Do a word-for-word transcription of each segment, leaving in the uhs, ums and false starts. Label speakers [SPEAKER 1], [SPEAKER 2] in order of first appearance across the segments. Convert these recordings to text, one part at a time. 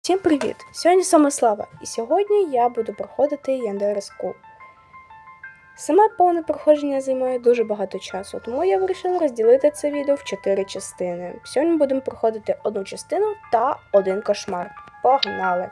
[SPEAKER 1] Всім привіт! Сьогодні Самослава, і сьогодні я буду проходити Yandere School. Саме повне проходження займає дуже багато часу, тому я вирішила розділити це відео в чотири частини. Сьогодні ми будемо проходити одну частину та один кошмар. Погнали!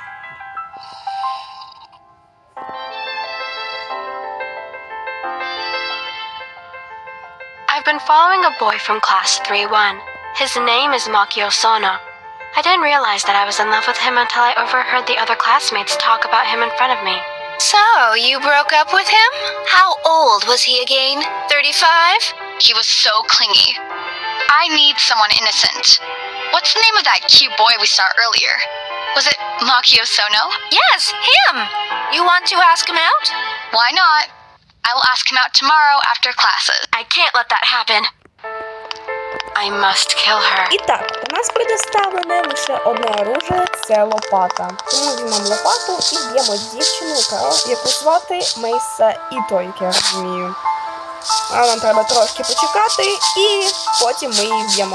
[SPEAKER 2] I've been following a boy from class three one. His name is Makio Sono. I didn't realize that I was in love with him until I overheard the other classmates talk about him in front of me.
[SPEAKER 3] So, you broke up with him? How old was he again? thirty-five? He was so clingy. I need someone innocent. What's the name of that cute boy we saw earlier? Was it Makio Sono? Yes, him! You want to ask him out? Why not? I will ask him out tomorrow after classes.
[SPEAKER 2] I can't let that happen. I must kill her.
[SPEAKER 1] І так, у нас предоставлене лише одне оружие – це лопата. Тому візьмемо лопату і б'ємо дівчину, яку звати Мейса Іто, як я розумію. А нам треба трошки почекати і потім ми її вб'ємо.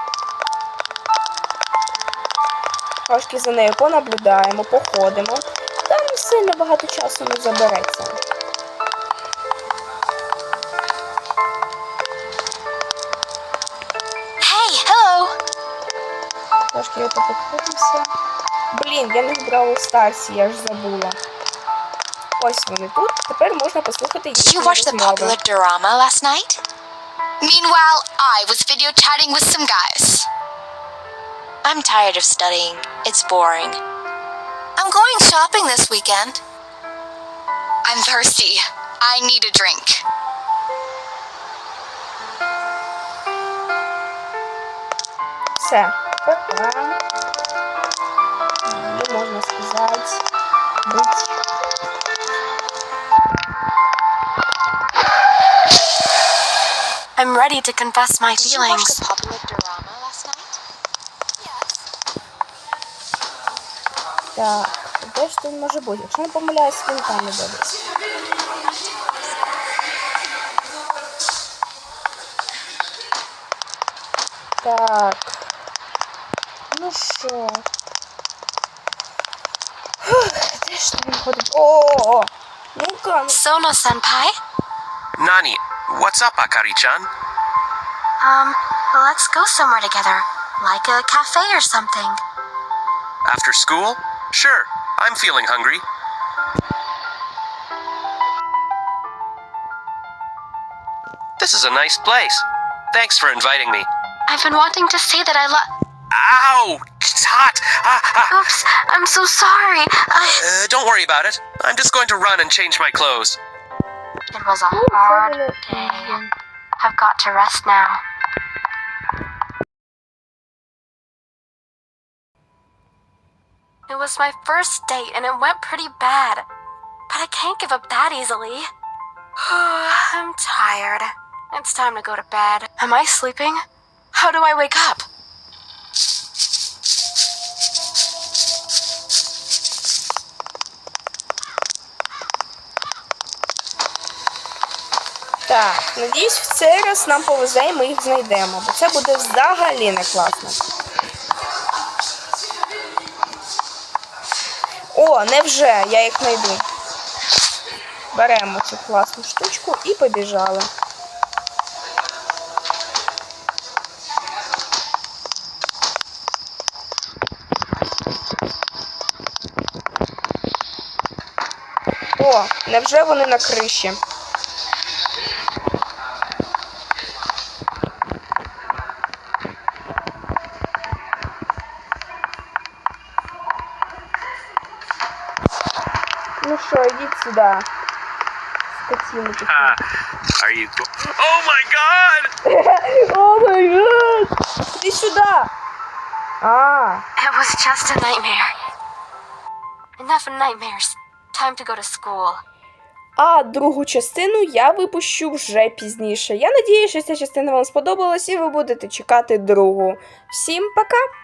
[SPEAKER 1] Трошки за нею понаблюдаємо, походимо. Там сильно багато часу не забереться. Трошки я тут покрутимося. Блін, я не в Бравл Старсі, я ж забула. Ось вони тут. Тепер можна послухати їхні
[SPEAKER 3] Did you watch the
[SPEAKER 1] розмови.
[SPEAKER 3] popular drama last night? Meanwhile, I was video chatting with some guys. I'm tired of studying. It's boring. I'm going shopping this weekend. I'm thirsty. I need a drink.
[SPEAKER 1] Все. Пока. І можна сказати, бить.
[SPEAKER 2] I'm ready to confess my
[SPEAKER 3] Did you watch
[SPEAKER 2] feelings.
[SPEAKER 3] the popular drama last night? Yes.
[SPEAKER 1] Так, де ж він може бути? Якщо не помиляюсь, він там не дивиться. Так. Ну що? Де ж він ходить? О-о-о! Ну-ка!
[SPEAKER 2] Sono-senpai?
[SPEAKER 4] Nani, what's up, Akari-chan?
[SPEAKER 2] Um, let's go somewhere together. Like a cafe or something.
[SPEAKER 4] After school? Sure, I'm feeling hungry. This is a nice place. Thanks for inviting me.
[SPEAKER 2] I've been wanting to say that I love...
[SPEAKER 4] Ow! It's hot! Ah, ah.
[SPEAKER 2] Oops, I'm so sorry. I...
[SPEAKER 4] Uh, don't worry about it. I'm just going to run and change my clothes.
[SPEAKER 2] It was a hard day. I've got to rest now. It was my first date and it went pretty bad. But I can't give up that easily. I'm tired. It's time to go to bed. Am I sleeping? How do I wake up?
[SPEAKER 1] Так, надіюсь, в цей раз нам повезе і ми їх знайдемо, бо це буде взагалі не класно. О, невже, я їх знайду. Беремо цю класну штучку і побіжали. О, невже вони на криші? Ну що, ідіть сюди. Скотіни такі.
[SPEAKER 4] Ah, are you go- Oh my god!
[SPEAKER 1] О май гад! Іди сюди! А,
[SPEAKER 2] It was just a nightmare. Enough nightmares. Time to go to school.
[SPEAKER 1] а другу частину я випущу вже пізніше. Я надію, що ця частина вам сподобалась і ви будете чекати другу. Всім пока!